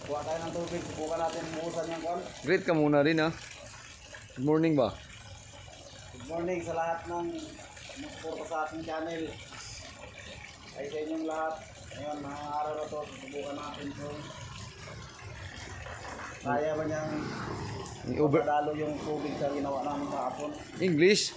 Kuha tayo ng tubig. Subukan natin buhusan yung kon. Greet ka muna rin ha. Good morning ba? Good morning sa lahat ng nagsuporta sa ating channel. Ay sa inyong lahat. Ngayon, mga araw na to, subukan natin kung kaya ba niyang padalo yung tubig sa ginawa namin kahapon. English?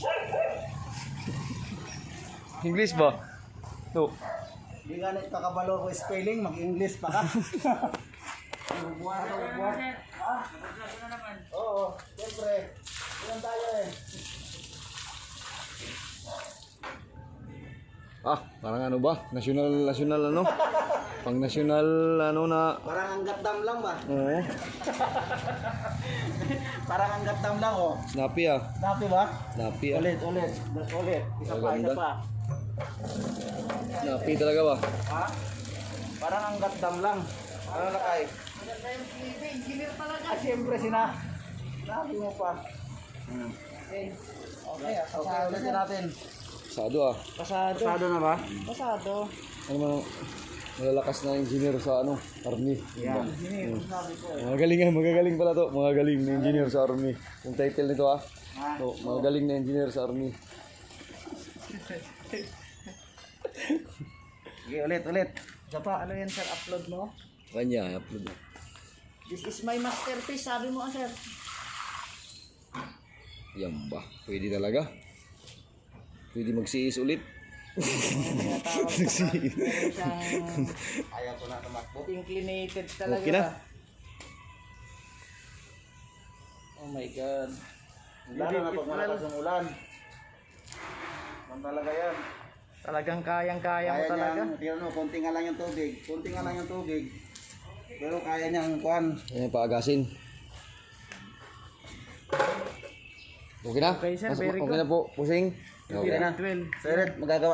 English ba? No. Hindi nga kakabalo ko spelling, mag-English pa ka. Bubuha. Ha? Oo, siyempre. Ilan tayo eh. Parang ano ba? National ano? Pang national ano na. Parang anggat dam lang ba? Oo. Parang anggat dam lang oh. Snappy ah. Snappy ba? Snappy ah. Ulit. Isa Maganda. pa. Snappy talaga ba? Ha? Parang anggat dam lang. Ano na kay? Siyempre sinabi mo pa. Okay, ulitin natin. Pasado ah. Pasado na ba? Ano man malalakas na engineer sa ano, army. Yan. Magagaling pala to. Magagaling na engineer sa army. Yung title nito ah. So, magagaling na engineer sa army. Okay, ulit. Isa pa, ano yan sir, upload mo? Kanya, upload. This is my masterpiece, sabi mo sir. Yan ba? Pwede talaga? Pwede magsiis ulit? Ayaw ko na tumakbo. Inclinated talaga. Okay na? Oh my God. Lalo na pag malakas ang ulan. Man talaga yan. Talagang kayang-kaya mo talaga. Tira mo, konti nga lang yung tubig. Pero kaya niyang kuhan. Yan, paagasin. Okay na? Okay, sir. Very Okay na po, pusing. Okay na. Sir, magagawa.